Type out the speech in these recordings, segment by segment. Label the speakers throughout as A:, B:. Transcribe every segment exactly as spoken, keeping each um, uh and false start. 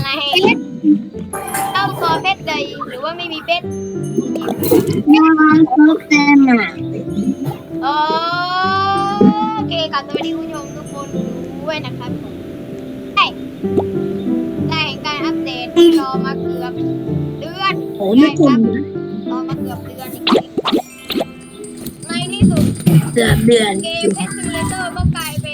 A: ในเจ้าคอเพชรใดหรือว่าไม่มีเพชร
B: มาเขาเต็มอ่ะ
A: โอเคกับสวัสดีคุณผู้ชมทุกคนด้วยนะครับผมได้ได้เห็นการอัปเดตที่รอมาเกือบเดือน
B: โอ้ไม่กลุ่ม
A: รอมาเกือบเดือนจริงๆในที่สุด
B: เดือนเดือน
A: เกมเพชรซิมูเลเตอร์ก็กลายเป็น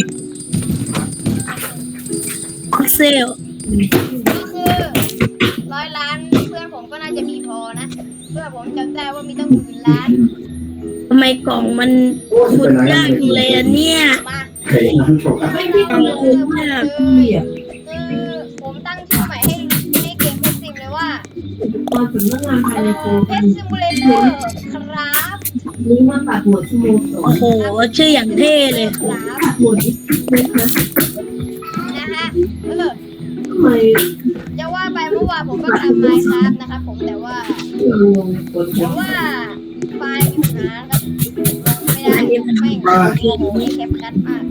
B: พิกเซล
A: ก็คือร้อยล้านเพื่อนผมก็น่าจะมีพอนะเพื่อนผมจำได้ว่ามีตั้งหมื่นล้าน
B: ทำไมกล่องมันขุดยากจังเลยอะเนี่ย
A: มา
B: ไม่มีกล่องขุดยาก
A: คือผมตั้งชื่อใหม่ให้ให้เกมเพชรซิมเลยว่า
C: ตอนถึงเรื่องงานภายในโครง
A: เพชรซิมูเลเตอร์ครับ
C: นี้มาตัดหัวชั่วโมงสอง
B: โอ้โหชื่ออย่างเท่เลย
A: ครับ
C: ตัดหัวนี้นะคะ
A: นะฮะเออ
C: ทำไม
A: จะว่าไปเมื่อวานผมก็ทำไมครับนะครับผมแต่ว่า
C: เราลงบน
A: แต่ว่าไฟล์อยู่นะครับไม่ได้ไม่โอ้โหนี่แคปคัดมาก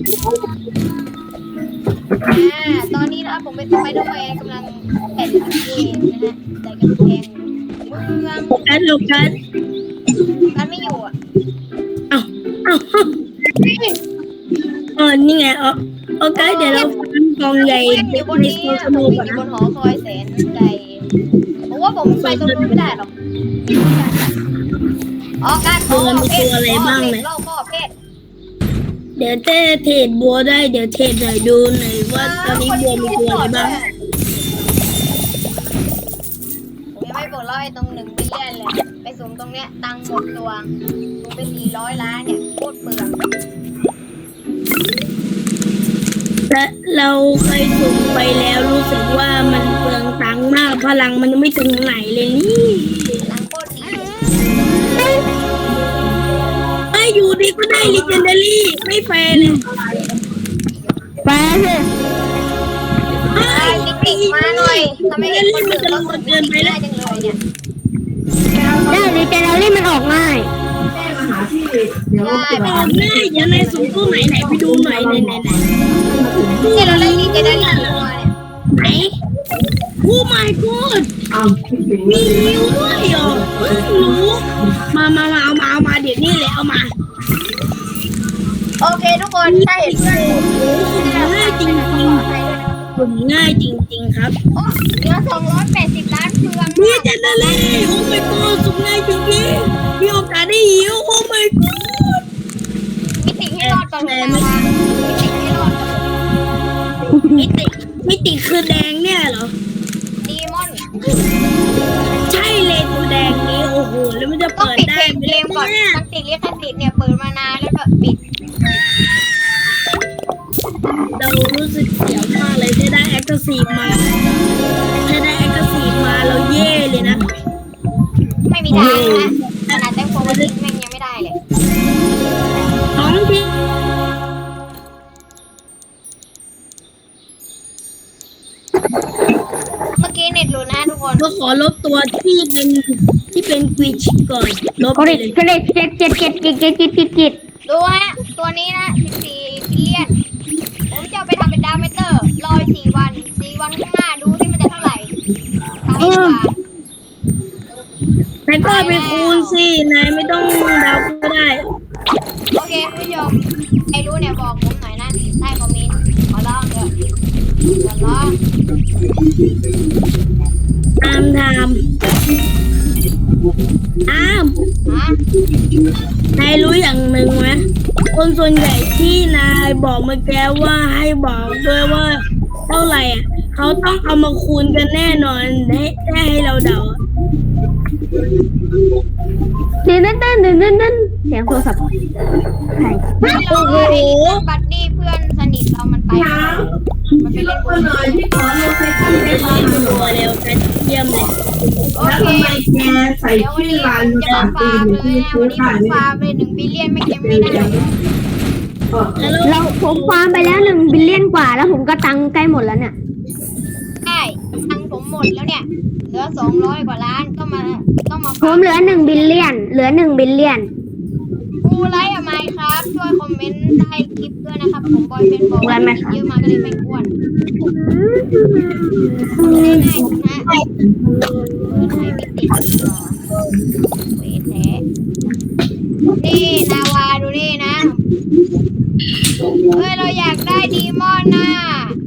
A: อ่าตอนนี้นะครับผมเป็นสไปเดอร์แมนกำลังแข่งเกมนะฮะแต่กำแพงเมือง
B: โฟกัสโฟกัส
A: กันไม่อยู่อ่ะ
B: เอ้าเอ้าเออนี่ไงเออโอเคเดี๋ยวเราฟังกองใหญ่
A: ผมอยู่บน
B: ใน
A: นี้
B: โซ
A: อะ
B: น
A: ผม
B: ดู
A: อ
B: ก่อน
A: ยู่
B: นะ
A: บนหอคอยแสนไกลผมว่าผมไปตรงนู้นไม่ได้หรอกอ๋อการโอ้เพชรเล่าข้อเพชร
B: เดี๋ยวเต้เทรดบัวได้เดี๋ยวเทรดหน่อยดูหน่อยว่าตอนนี้บัวมีตัวอะไรบ้าง
A: ผมยังไม่ปลดล็อกไอ้ตรงหนึ่งมิลเลียนเลยไปสูงตรงเนี้ยตังค์หมดตัวสูงไปสี่ร้อยล้านเนี่ยโคตรเปลือง
B: และเราเคยสุ่มไปแล้วรู้สึกว่ามันเปลืองตังค์มากพลังมันยังไม่ถึงไหนเลยนี่
A: ตังค์โคตรดี
B: ไอ้ยอยู่ดีก็ได้ลิเจนดารี่ไม่แฟร์เลยแฟร์เลย
A: ไอ้ติ๊กติ๊กมาหน่อยทำไมเห็นคนอื่นเราสุดเกินไปได้จังเลยเนี่ย
B: ได้ลิเจนดารี่มันออกง่าย
C: แจ้งมาหาที่เดี๋ยว
A: ได้
C: เรา
A: ไป
C: จะ
B: ออกง่ายเดี๋ยวในสุ่มตู้ไหนไหนไปดูหน่อยไหนไหนไหน
A: ที่เราเล่นดีเจได้ดีตัวเนี่ย
B: ไหนโอ้ my god
C: เอาที่ถึง
B: มีนิ้วด้วยเหรอเพิ่งรู้มามามาเอามาเอามาเดี๋ยวนี้เลยเอามา
A: โอเคทุกคนถ้าเห็นเพื่อนผม
B: ง่ายจริงจริงผมง่ายจริง ๆ ครับ
A: โอ้เหลือสองร้อยแปดสิบล้านเปลือง
B: นี่จะนั่นเลยโอ้ my god สุดง่ายจริงๆมีโอกาสได้หิวโอ้ my god
A: มิติให้รอดก่อนเลยนะมิติให้รอดก่อน
B: มิติมิติคือแดงเนี่ยเหรอ
A: ดีมอน
B: ใช่เลยตัวแดงนี้โอ้โหแล้วมันจะ
A: ต้อง
B: เปิด
A: ปิด
B: ได้
A: เพลง
B: ไหม
A: เกมก่อน
B: เนี่ย
A: ตั้งติดลิขสิทธิ์เนี่ยเปิดมานานแล้วก็ปิด
B: เรารู้สึกเสียวมากเลยถ้าได้แอคทีฟมาถ้าได้แอคทีฟมาเราเย่เลยนะ
A: ไม่มีทางนะขนาดแตงโมวันนี้แม่งยังไม่ได้เลย
B: ท้องที่
A: เมื่อกี้เน็ตหลุดนะทุกคน
B: ก็ขอลบตัวที่เป็นที่เป็นกวิชก่อนลบ
D: ก็
B: ไป
D: ได้
B: เลย
D: ก็ได้เจ็ดเจ็ดเจ็ดเจ็ดเจ็ดเจ็ดเจ็ดเจ็ด
A: ดูฮะตัวนี้นะสิบสี่บิลเลียนผมจะเอาไปทำเป็นดาเมเตอร์รอสี่วันสี่วันข้างหน้าดูที่มันจะเท่าไหร่ทำดีกว่า
B: แต่ก็ไปคูณสินายไม่ต้องเดาก็ได้
A: โอเคคุณผู้ชมใครรู้เนี่ยบอกผมหน่อยนะใต้คอมเมนต์ขอร้องเถอะขอร้อง
B: ตามทามตาม
A: ฮะ
B: นายรู้อย่างหนึ่งไหมคนส่วนใหญ่ที่นายบอกเมื่อกี้ว่าให้บอกด้วยว่าเท่าไหร่อ่ะเขาต้องเอามาคูณกันแน่นอนให้ให้เราเดา
D: เดินเดินเดินเดินเดินเดินเสียงโทรศัพท์ใคร
A: ไม่รอไอ้บัดดี้เพื่อนสนิทเรามันไปแล้วมันไปเล่นบ
C: ก็
A: น
C: เลยที่ขอโลเคชั่น
B: ไป
C: ได้
B: เล่
C: บ้าง
B: นตัวเร็วกันเยี่ยมเลย
A: โอ
C: แล้ว
A: เค
C: ทำไมแกใส่
A: เดี๋ยววัน
C: ชื่อ
A: นี้
C: ร้าน
A: ผมจะ
C: ต่า
A: มาง
C: ปี
A: ฟาร์ม
C: หรือ
A: เลย
C: ที่
A: นะ
C: ซื้
A: วัน
C: อ
A: นี้ผมฟาร์ม
C: ขาย
A: เลยหนึ่งบิลเลียนไม่ยังไม่ได้
B: แล้ว
D: เราผมฟาร์มไปแล้วหนึ่งบิลเลียนกว่าแล้วผมก็ตังค์ใกล้หมดแล้วเนี่ย
A: ใช่ตังค์ผมหมดแล้วเนี่ยเหลือสองร้อยกว่าล้านก็มาต้องมา
D: ผมเหลือหนึ่งบิลเลียนเหลือหนึ่งบิลเลียน
A: กูไลท์อะไมครับช่วยคอมเมนต์ใต้คลิปด้วยนะครับผมบอยเป็นบอกว่าเยอะมาก็เลยไม่อ้วนง่ายๆนะเปิดให้ไม่ติดก่อนเวทแท้นี่นาวาดูนี่นะเฮ้ยเราอยากได้ดีมอนน่ะ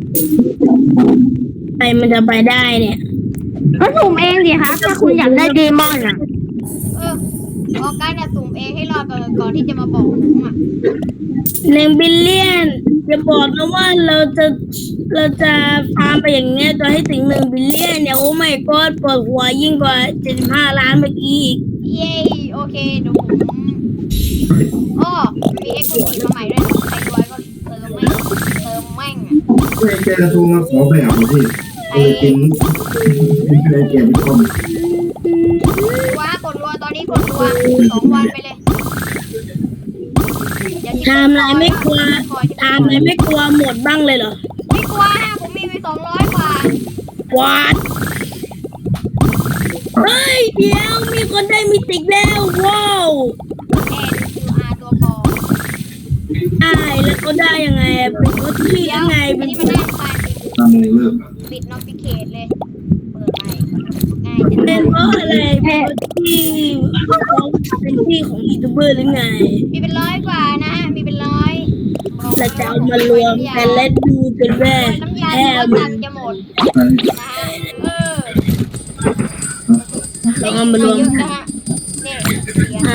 B: ใครมันจะไปได้เนี่ย
D: ก็สุ่มเองสิครับถ้าคุณอยากได้เดมอนอ่ะ
A: เออออกการจะสุ่มเองให้รอดก่อนก่อนที่จะมาบอกผมอ่ะ
B: หนึ่งบิลเลียนจะบอกนะว่าเราจะเราจะฟาร์มไปอย่างเงี้ยจนให้ถึงหนึ่งบิลเลียนเนี่ยโอ้ไม่ก็ปวดหัวยิ่งกว่าเจ็ดสิบห้าล้านเมื่อกี้อีก
A: เย้โอเคเดี๋ยวผมอ้อมีเอ็กซ์คลูซีฟมาใหม่ด้วยใครด้วยก็เติมแม่งเติมแม่งอ่ะ
E: แกกระทูมาขอแบบมาพี่เออจริงไม่เคยเก็บคอม
A: ว้ากดรัวตอนนี้กดรัวสองวันไปเลยอย่า
B: ทำอะไรไม่กลัวทำอะไรไม่กลัวหมดบ้างเลยเหรอ
A: ไม่กลัวฮะผมมีไปสองร้อยกว่าว
B: าดเฮ้ยเดี๋ยวมีคนได้มิติกแล้วว้าว
A: แอนคิวอาร์ตัวปลอม
B: ได้แล้วเขาได้ยังไงอะเป็นเขาที่
A: เดี๋ย
B: ยั
A: ว
B: งไง
A: อั
B: เป็น น
A: นี้มันน่ารำคาญจริง
E: ทำเลยเลิก
A: ปิดนอติเคทเลยเปิดใหม่ง่ายจัง
B: เป็นเพราะอะไรเป็นเพราะที่เขาเป็นที่ของยูทูบเบอร์หรือไง
A: มีเป็นร้อยกว่านะมีเป็นร้อย
B: เราจะเอามารวมกันและดูกันว่า
A: น้ำยา
B: แค่
A: ตัว
B: มั
A: ตั
B: น
A: นจะหมด
E: ไป
A: นะฮะเออ
B: เราเอามารวม
A: เยอะ
B: กั
A: นะ
B: น
A: ฮะเนี่ยเสียง
B: อ่า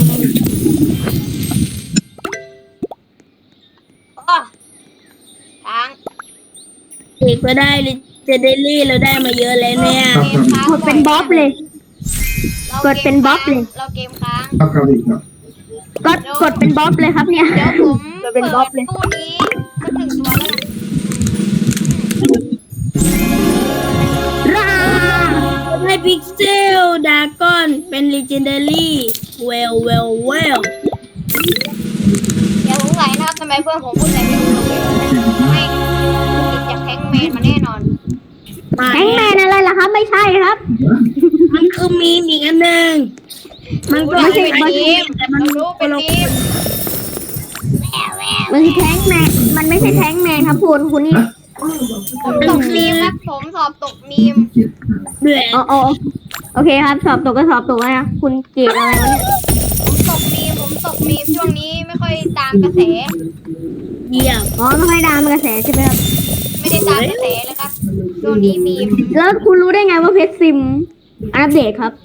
A: อ๋อค้าง
B: เอกก็ได้เลยจะได้รี่เราได้มาเยอะแล้วเนี่ย
A: เกมค้าง
D: กดเป็นบ๊อบเลย กดเป็นบ๊อบเลย
A: เราเกมค้าง
E: ครับครับอีกครับ
D: กดกดเป็นบ๊อบเลยครับเนี่ย
A: เดี๋ยวผม
D: กด
A: เปิ
D: เป็น
A: ด
D: บ๊อบเลย
A: ตู้นี้สักหนึ่งตัวแล้วกัน
D: ร่า
B: ให้พิกเซลดากอนเป็น legendary เวลเวลเวล
A: อย่าสงสัยนะครับทำไมเพื่อนผมพูดอะไรไม่รู้เลยไม่ติดจากแทงแมนมาแน่นอน
D: แฮงแมนอะไรล่ะครับ ไม่ใช่ครับ
B: มันคือมีมอีกอันหนึ่งมันก็
A: ไม่
B: ไม่
A: ใช่
B: ใช่
A: เป็นทีม
B: แต่มัน
A: เรารู้เป็นทีม
D: มันคือแท้งแมนมันไม่ใช่แท้งแมนครับคุณคุณนี่
A: ผมตกมีมครับผมสอบตกมีม
B: เดือด
D: อ๋ออ๋อโอเคครับ สอบตกก็สอบตกนะคุณเกรดอะไรวะเนี่ย
A: ผมตกมีมผมตกมีมช่วงนี้ไม่ค่อยตามกระแส
B: เยี่ยม
D: อ๋อไม่ค่อยดามกระแสใช่ไหมครับ
A: ไม่ได้ตามกระแสเลยครับช่วงนี้มีม
D: แล้วคุณรู้ได้ไงว่าเพชรซิมอัปเดตครับ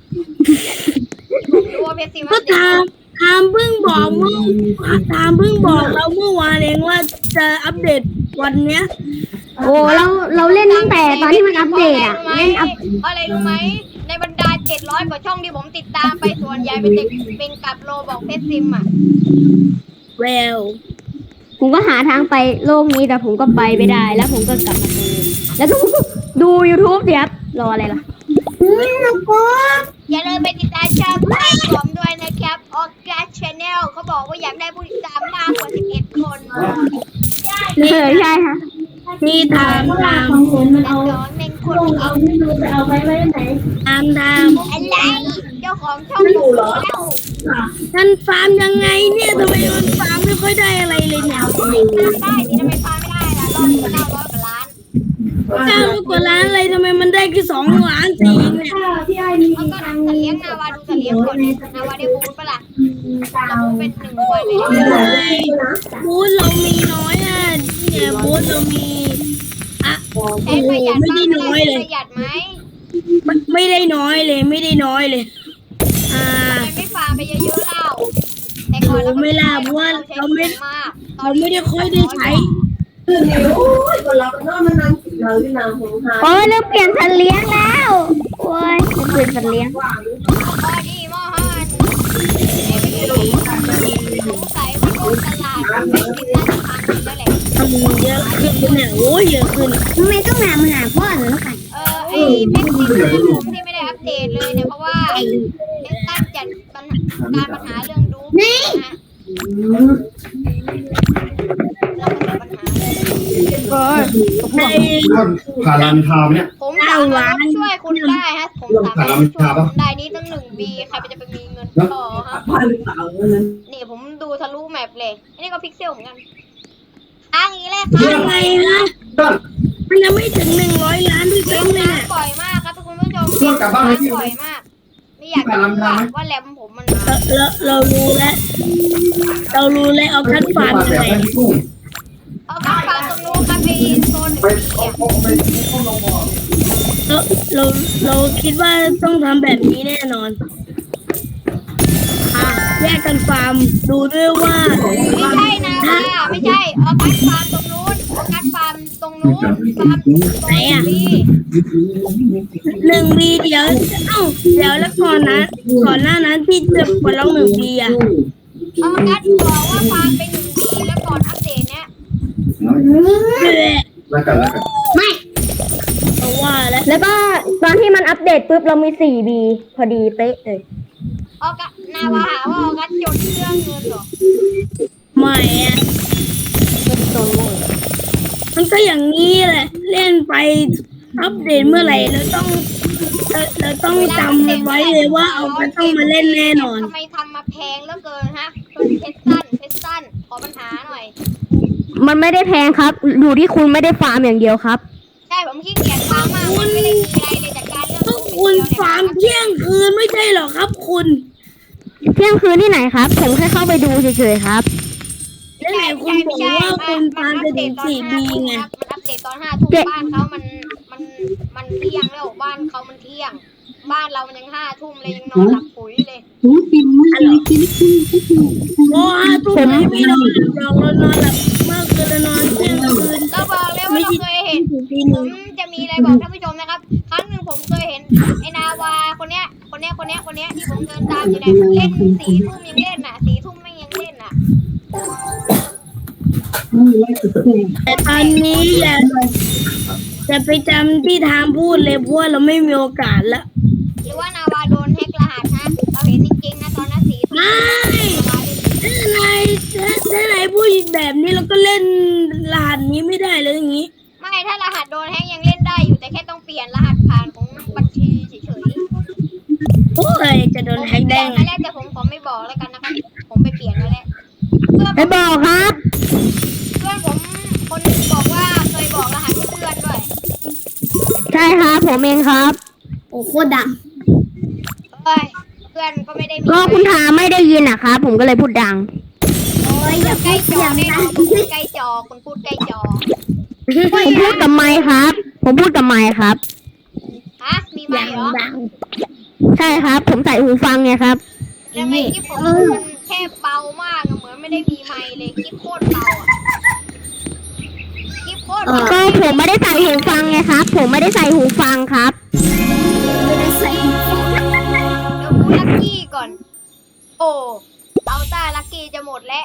A: ผมรู้ว่าเพชรซีมา
B: ก็
A: เด็ก
B: ทามทามเพิ่งบอกเมื่อทามเพิ่งบอกเราเมื่อวานเองว่าจะอัปเดตวันเนี้ย
D: โอ้เราเราเล่นตั้งแต่ตอนที่มันอัปเดตอะเล่นอัป
A: เพราะอะไรรู้ไหมในบรรดาเจ็ดร้อยกว่าช่องที่ผมติดตามไปส่วนใหญ่เป็นเด็กเป็นกับโลบอกเพชรซิมอ่ะ
B: เวล
D: ผมก็หาทางไปโลกนี้แต่ผมก็ไปไม่ได้ แล้วผมก็กลับมาดูแล้วก็ดู YouTube สิครับรออะไรล่ะ
A: อย่าลืมไปติดตามช่องผมด้วยนะครับออกัสชาแนลเขาบอกว่าอยากได้ผู้ติดตามมากกว่าสิบเอ็ดคน
D: เออใช่ค่ะ
B: นี่ทามทาม
A: แต่สอนเป็นคนเอง
B: ทามทาม
A: อะไรเจ้าของช่องอยู่แล้ว
B: ท่านฟาร์มยังไงเนี่ยทำไมมันฟาร์มไม่ค่อยได้อะไรเลยเนี่ย
A: ได้ที่ทำไมพาไม่ได้ล่ะรอบนี้เก้าร้อยกว่าล้าน
B: เก้าร้อยกว่าล้านอะไรทำไมมันได้แค่สองล้านสี่เองเนี่ย
A: แล้วก็สัตว์เลี้ยงนาวาดูสัตว์เลี้ยงก่อนนาวาได้บูธปะล่ะเราบูธเป็นหนึ่งวันเลยนะ
B: บูธเรามีน้อยอ่ะเนี่ยบูธเรามีอ่ะโอ้
A: ใช้
B: โห
A: ประหยัด
B: ไม่
A: บ้าง
B: ได้น้อยเลย
A: ประหยัดไหม
B: ไม่ไม่ได้น้อยเลย ไม่ได้น้อยเลย อ่า
A: ทำไมไม่ฟาร์มไปเยอะๆเล่าแต่ก่อนเรา
B: ไม่ล่ะเพราะว่าเราไม่
A: มาก
B: เราไม่ได้ค่อยได้ใช้
C: โอ้ยคนเราก็มันนั่งกินเราที่นางของทาน
D: โอ้ยเริ่มเปลี่ยนสัตว์เลี้ยงแล้วโอ้ยเริ่มเปลี่ยนสัตว์เลี้ยง
A: พอดีมอฮันเอ้ไม่ได้สงสัยว่าโลกตลาดเป็นกินน่าจะพังแล้วแหละ
B: ทำเยอะขึ้นเนี่ยโอ้ยเยอะขึ้น
D: ทำไมต้องหามาหาพ่อหนูแล้วกัน
A: เออไอ้เพชรซีซั่นผมที่ไม่ได้อัปเดตเลยเนี่ยเพราะว่าเพชรตั้งจัดปัญหาการปัญหาเรื่องดูนะฮะเราประสบปัญหาเลย
D: เออ
B: ใน
E: ผ่านรามอินทราเนี่ย
A: ผมสามารถช่วยคุณได้ฮะผมสามารถช่วยคุณได้นี่ตั้งหนึ่งบีใครจะไปมีเงินต่อฮะ
C: บ้านหรือเปล่านั้น
A: นี่ผมดูทะลุแมปเลยอันนี้ก็พิกเซลเหมือนกันอ้างนี้แหละครั
B: ยังไงฮะมันยังไม่ถึงหนึ่งร้อยล้านด้วย
A: เล่
B: ซ้ำ
A: น
B: เลย
A: น้ำ
B: น่ะ
A: บ่อยมากครับทุกคุณผู้ชมเล่นน้ำบ่อยมาก ไม่อยากจะรู้ว่าว่าแรมผมมัน
B: เราเรารู้แล้ว เรารู้แล้วเอาคัดฟาร์มยังไง
A: เอากลับฟาร์มตรงนู้นครับไปโซนหนึ่งเนี่ย
B: เราเราเราคิดว่าต้องทำแบบนี้แน่นอน อ่ะแยกกันฟาร์มดูด้วยว่า
A: ไม่ใช่นะว่าไม่ใช่เอากัดฟาร์มตรงนู้นเอากัดฟาร์มตรงนู้นฟาร์มตรงนี้
B: หนึ่งบีเดี๋ยวเอ้าเดี๋ยวแล้วก่อนนะก่อนหน้านั้นที่จะปลดล็อกหนึ่งบีอ่ะ
A: เอากัดบอกว่าฟาร์มไปหนึ่งปีแล้วก่อนอัปเดตเนี้ย
B: เพื่อ
E: แล้วกันแล้วกัน
B: เพราะว่าแล้ว
D: แล้วก็ตอนที่มันอัปเดตปุ๊บเรามีสี่บีพอดีเป๊ะเลย
A: เอากัดนาวาหาว่าเอากัดจดเรื่องเงินเหรอ
B: ใหม่อ่ะมันก็อย่างนี้แหละ เล่นไปอัปเดตเมื่อไหร่เราต้องเราเราต้องจำไว้เลยว่าเอาไปต้องมาเล่นแน่นอน
A: ทำไมทำมาแพงเหลือเกินฮะเพชรสั้นเพชรสั้นขอปัญหาหน่อย
D: มันไม่ได้แพงครับอยู่ที่คุณไม่ได้ฟาร์มอย่างเดียวครับ
A: ใช่ผมขี้เกียจฟาร์มมากมันไม่ได้มีอะไรเลยจากการเรื่อง
B: ก็คุณฟาร์มเที่ยงคืนไม่ใช่หรอครับ คุณ
D: เที่ยงคืนที่ไหนครับ ผมแค่เข้าไปดูเฉยๆครับ
B: แล้วไหนคุณบอกว่าคุณฟาร์มจะถึงสี่บีไง
A: มันอัปเดตตอนห้าทุ่มบ้านเขามันมันมันเที่ยงแล้วบ้านเขามันเที่ยง บ้านเรามันยังห้าทุ่มเลยยังนอนหลับปุ๋ยเลย
B: โอ้ห้าทุ่มไม่ไม่นอนหลับหรอกเรานอนหลับมากเกินเรานอนเที่ยงคืน
A: เราบอกเลยว่าเราเคยเห็น
B: ถึงตีห
A: ผ
B: นึ่ง
A: มจะมีอะไรบอกท่านผู้ชมนะครับ ครั้งหนึ่งผมเคยเห็นไอ้นาวาคนเนี้ย คนเนี้ย คนเนี้ย คนเนี้ยที่ผมเดินตามอยู่เนี่ยเล่นสี่ทุ่มยังเล่นน่ะสี่ทุ่มไม่ยังเล่นน่ะ
B: แต่ตอนนี้อย่าจะไปจำที่ทามพูดเลยเพราะว่าเราไม่มีโอกาสละ
A: หรือว่านาวาโดนแฮกรหัสฮะเราเห็นจริงๆนะตอนนั้นสี่ทุ่ม
B: ไม่ ถ้านายถ้าถ้านายพูดแบบนี้เราก็เล่นรหัสนี้ไม่ได้เลยอย่างนี้
A: ไม่ถ้ารหัสโดนแฮกยังเล่นได้อยู่แต่แค่ต้องเปลี่ยนรหัสผ่านของบัญชีเฉยๆ
B: โอ้ยจะโดนแฮกได้
A: ผม
B: ไง
A: เปลี่ยนมาแล้วแต่ผมขอไม่บอกแล้วกันนะครับ ผมไปเปลี่ยนมาแล้วเพื่อน
D: ไปบอกครับ
A: เพื่อนผมคนหนึงบอกว่าเคยบอกรหัสให้เพื่อนด้วย
D: ใช่ครับผมเองครับ
B: โอ้โคตรดัง
A: เอ้ยเพื่อนก็ไม่ได้มี
D: ก็คุณทาไม่ได้ยินนะครับผมก็เลยพูดดัง
A: โอ้ยอย่าใกล้จอแน่นอนคุณพูดใกล้จอคุณพูดใกล้จอ
D: ผมพูดกับไมค์ครับ ผมพูดกับไมค์ครับ
A: ฮะมีไหม
B: ดัง
A: เหรอ
B: ดัง
D: ใช่ครับ ผมใส่หูฟังไงครับ
A: แล้วไอ้คลิปผมมันแค่เบามากอะเหมือนไม่ได้มีไมค์เลยคลิปโคตรเบาอะคลิปโคตรเบา
D: ก็ผมไม่ได้ใส่หูฟังไงครับ ผมไม่ได้ใส่หูฟังครับ
A: เดี๋ยวกูลักกี้ก่อน โอ้เอาต้าลักกี้จะหมดแล้ว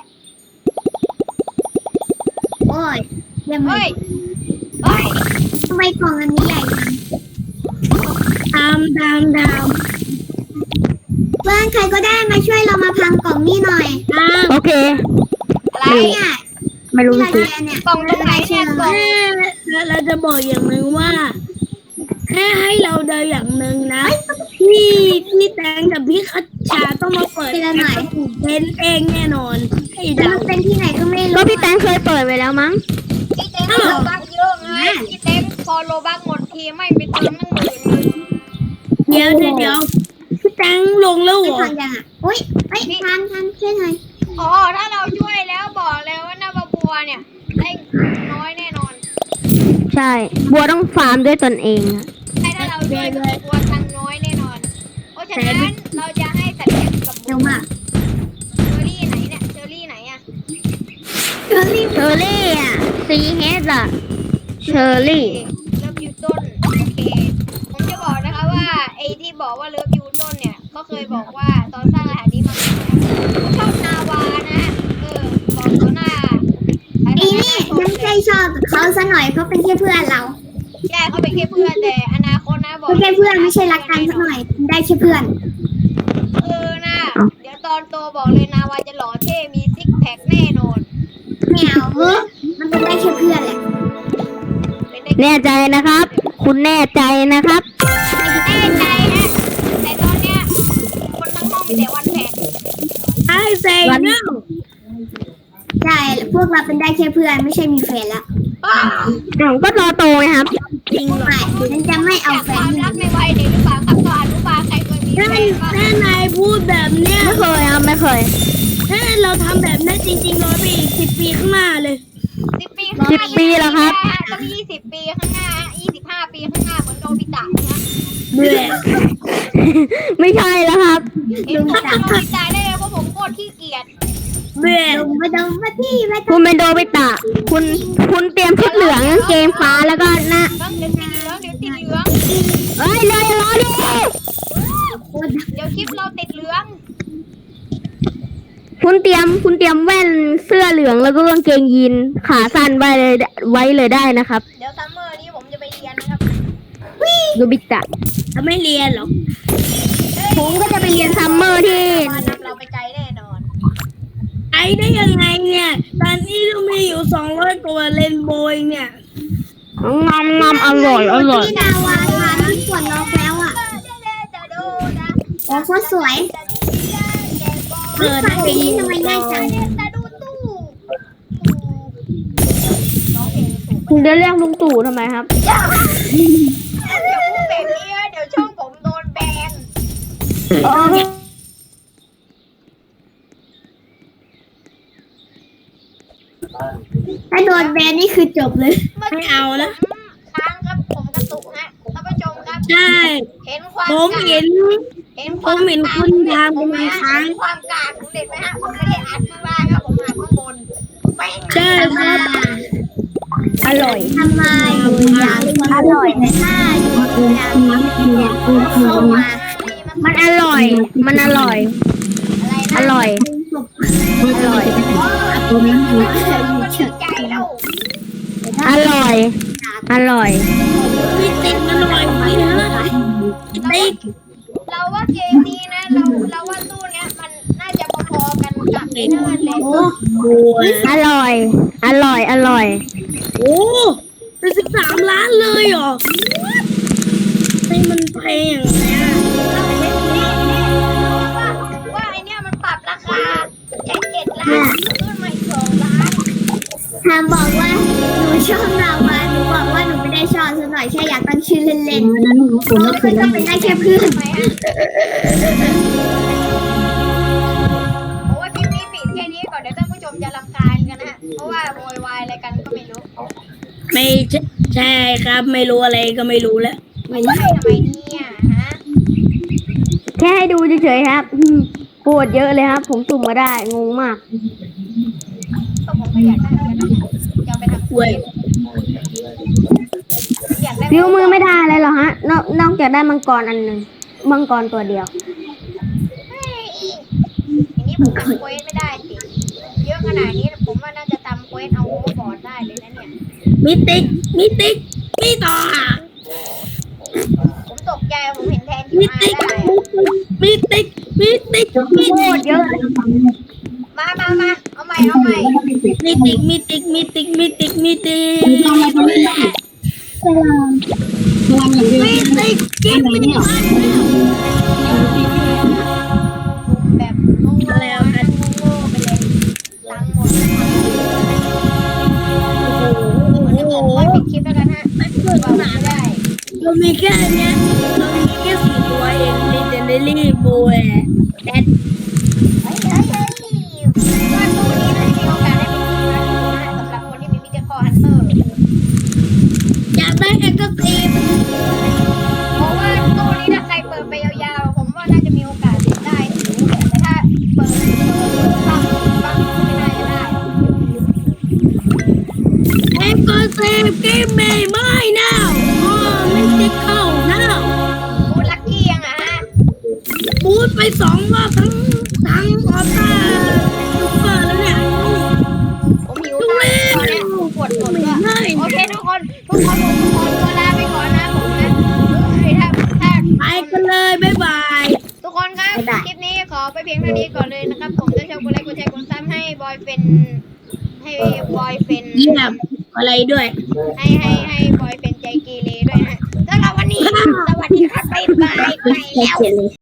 F: โอ้ยยังไง
A: เฮ้ยเฮ้ย
F: ทำไมกล่องอันนี้ใหญ่จัง
B: ตามตามตาม
F: เพื่อนใครก็ได้มาช่วยเรามาพังกล่องนี้หน่อย
B: ตาม
D: โอเค
A: อะไร
F: เนี่ย
D: ไม่รู้
F: ที่เรา
D: สิ
F: เรียนเนี่ย
A: กล่องตรงไหนเนี่ยกล่อง
B: แค่เราจะบอกอย่างหนึ่งว่า แค่ให้เราเดินอย่างหนึ่งนะพี่พี่แตงกับพี่คัชชาต้องมาเปิดเป็นเองแน่นอนให้
F: แต่
B: เดา
F: มันเป็นที่ไหนก็ไม่
D: ก็
F: รู้
D: พี่แตงเคยเปิดไว้แล้วมั้ง
A: พี่เต็มโลบักเยอะไงพี่เต็มพอโลบักหมดทีไม่ไปเติมตั้งหมื่นนึง
B: เดี๋ยวเดี๋ยวเดี๋ยวพี่แตงลงแล้วเหร
F: ไม่
B: อ
F: ทันยังอ่ะอุ้ยเฮ้ยทันทันช่วยหน่อย
A: อ๋อถ้าเราช่วยแล้วบอกเลยว่าหน้าบัวเนี่ยได้น้อยแน่นอน
D: ใช่ บัวต้องฟาร์มด้วยตนเองอะ
A: ใช่ถ้าเราช่วยบัวตังน้อยแน่นอน เพราะฉะนั้นเราจะให้สัตว์เลี้ยงกับ
F: เร็วมาก
A: เชอรี่ไหนเนี่ยเชอรี่ไหนอะ
F: เชอรี่
D: เชอร์รี่อ่ะซีเฮดอ่ะเชอร์รี่
A: เลิฟยูต้นโอเคผมจะบอกนะคะว่าไอ้ที่บอกว่าเลิฟยูต้นเนี่ยก็เคยบอกว่าตอนสร้างรหัสนี้มาชอบนาวานะเออบอกตัวหน้า
F: ไอ้นี่ยังใจชอบเขาซะหน่อยเขาเป็นแค่เพื่อนเรา
A: ใช่เขาเป็นแค่เพื่อนแต่อนาคตนะบอก
F: เป็นแค่เพื่อนไม่ใช่รักกันซะหน่อยได้แค่เพื่อน
A: เออนะเดี๋ยวตอนโตบอกเลยนาวาจะหล่อเท่มีซิกแพคแน่นอน
F: ไม่เอาเออมันเป็นได้แค่เพื่อนแหละ
D: แน่ใจนะครับ คุณแน่ใจนะครับ
A: แน่ใจฮะแต่ตอนเนี้ยคนทั้งห้องมีแต่วันแผน
B: ไอ้เซ็งเนาะ
F: ใช่พวกเราเป็นได้แค่เพื่อนไม่ใช่มีแฟนละ
A: อ้าว
D: ผมก็รอโตไงครับ
B: จริงเหรอ
F: ไม่ฉันจะไม่เอา
A: จาก
F: แฟ
A: คน วามรักในวัยเด็กหรือเปล่าครับตอนอนุบาลใครเคยมีแฟ
B: ถ้าน
A: บ้าง
B: ถ้านายพูดแบบเนี้ย
D: ไม่เคยครับไม่เคย
B: ถ้าเราทำแบบนั้นจริงๆเราไปอีกสิบปีข้างหน้าเลย
A: สิบปีข้างห
D: สิบ
A: น้า
D: ปีแล้วครับ
A: ต้องยี่สิบปีข้างหน้ายี่สิบห้าปีข้างหน้าเหมือนโดบิตะนะฮะ
B: เบื่อ
D: ไม่ใช่แล้วครับ
A: เห็นผมเป็นโดบิตะได้เลยเพราะผมโคตรขี้เกียจ
B: เบื่อ
F: ลงมาดงมาที่มา
D: คุณเป็นโดบิตะ คุณคุณเตรียมชุดเหลืองกางเกงฟ้าแล้วก็หน้า
A: ต้องเดี๋ยวติดเหลืองเดี๋ยวติดเหลือง
D: เอ้ยเลยรอดิ
A: เดี๋ยวคลิปเราติดเหลือง
D: คุณเตรียมคุณเตรียมแว่นเสื้อเหลืองแล้วก็กางเกงยีนขาสั้นไว้เลยไว้เลยได้นะครับ
A: เดี๋ยวซัมเมอร์นี้ผมจะไปเรียนนะครับ
D: โดบิตะ
B: จะไม่เรียนหรอก
D: ผมก็จะไปเรียนซัมเมอร์ที่
A: มานำเราไปไกลแน่นอน
B: ไอ้ได้ยังไงเนี่ย ตอนนี้เรามีอยู่สองร้อยตัวเลนโบยเนี่ย
D: งามงามอร่อยอร่อย
F: ที่ดาวาทานที่ปวดล็อกแล้วอ่ะโอ้โคตรสวยเปิดเพลงนี้ทำไมง่ายจัง
A: แต่ดูตู้น้องเองถูก
D: คุณจะเรียกลุงตู่ทำไมครับ
A: อย่าพูดแบบนี้เดี๋ยวช่องผมโดนแบน
F: ถ้าโดนแบนนี่คือจบเลย
B: ไม่เอานะ
A: ค้างครับผมกระตุกฮะท่านผู้ชมครับ
B: ใช่
A: เห็นความ
B: ผมเห็น
A: เห็น
B: ผมเห็นคุณทำเป็นค้าง
A: เห็นความกากของเด็กไหมฮะผมไม่ได้อัดข้างล่างครับผมอัดข้างบนแม่ง
B: ใช่ครับ
D: อร่อย
F: ทำไมอยากอร่อยแต่ถ้าอยู่อยากเนี่ยเข้ามา
D: มันอร่อย มันอร่อย
A: อะไร
D: อ
A: นะ
D: ร่อย อร่อย
A: ตัวนั้นมันดีใจแล้ว
D: อร่อย อร่อย
B: พี่ติ๊กมันอร่อยพี่นะติ๊ก
A: เราว่าเกมนี้นะเราเราว่าตู้เนี้ยมันน่าจะพอๆกันกับไอ้นั่นเลย
B: โอ้โห
D: อร่อย อร่อย อร่อย
B: โอ้เป็นสิบสามล้านเลยเหรอให้มันแพงอย่างเงี้ย
A: ว่าว่าไอเนี้ยมันปรับราคาจากเจ็ดล้านขึ้นมาอีกสองล้าน
F: ทามบอกว่าหนูชอบนาวาหนูบอกว่าหนูไม่ได้ชอบสักหน่อยแค่อยากตั้งชื่อเล่นๆเพราะว่าก็เป็นได้แค่เพื่อน
A: ทำไมฮะเพราะว่าคลิปนี้ปิดแค่นี้ก่อนเดี๋ยวท่านผู้ชมจะรำคาญกันนะฮะเพราะว่าโวยวายอะไรกันก็ไม่รู้
B: ไม่ใช่ครับ ไม่รู้อะไรก็ไม่รู้แล้ว
A: ไม่ใช่ทำไมเนี่ยฮะ
D: แค่ให้ดูเฉยๆครับอืมปวดเยอะเลยครับ ผมสุ่มมาได้ งงมาก
A: ก็ผมก็อยากได้เหมือนกันนะจะเอาไปทำ
B: เว้ย
A: อยากได้
D: ฟิวมือไม่ได้อะไรหรอฮะ นอกนอกจากได้มังกรอันหนึ่งมังกรตัวเดียว
A: เฮ้ยอย่างนี้ผมทำเควสไม่ได้สิเยอะขนาดนี้ผมว่าน่าจะทำเควสเอาโอเวอร์บอร์ดได้เลยนะเนี่ย
B: มิติกมิติกมีต่ออ่ะ
A: ผมตกใจผมเห็นแทนที่
B: มิ
A: มา
B: ติก
A: ได้
B: มิติกมิติกมิ
D: โค
B: ติ
D: ต
B: ก
D: รเยอะ
A: มามามาเอาใหม่เอาใหม่
B: มิติกมิติกมิติกมิติกมิติกมิติกเกมไม่ได้
A: แบบงงๆนะงงๆไปเลยตังค์หมดเดี๋ยวผมว่าปิดคลิปแล้วกันฮะไม่เปิดไม่ได้
B: เรามีแค่เนี้ยเรามีแค่สี่ตัวเองมีเดนเดลี่โบยแดด
A: เฮ้ยเฮ้ยเฮ้ยว่าตู้นี้น่าจะมีโอกาสได้เป็นทีมนะสำหรับคนที่มีมิเตอร์คอฮันเตอร์
B: อยากได้แอคทีฟ
A: เพราะว่าตู้นี้ถ้าใครเปิดไปยาวๆผมว่าน่าจะมีโอกาสได้สูงแต่ถ้าเปิดฟังฟังไม่น่าจะได้
B: แอคทีฟเกมไม่ไม่น่าอ๋อไม่ติดเข้าน่า
A: พูดลักกี้ยังอ่ะฮะ
B: พูดไปสองรอบทั้งทั้งออต้าซุปเปอร์แล้วเนี่ย
A: ผมหิวตายตอนเนี้ยปวดปวดด้วยโอเคทุกคนทุกคนผมขอตัวลาไปก่อนนะผมนะเฮ้ยถ้าถ้า
B: ไปกันเลยบ๊ายบาย
A: ทุกคนครับคลิปนี้ขอไปเพียงเท่านี้ก่อนเลยนะครับ ผมจะชอบกดไลค์กดแชร์กดซับให้บอยเฟนให้บอยเฟน
B: เยี่ยมอะไรด้วย
A: ให้ให้ให้บอยเป็นใจเกเรด้วยนะสำหรับวันนี้ สวัสดีครับบ๊ายบายไปแล้ว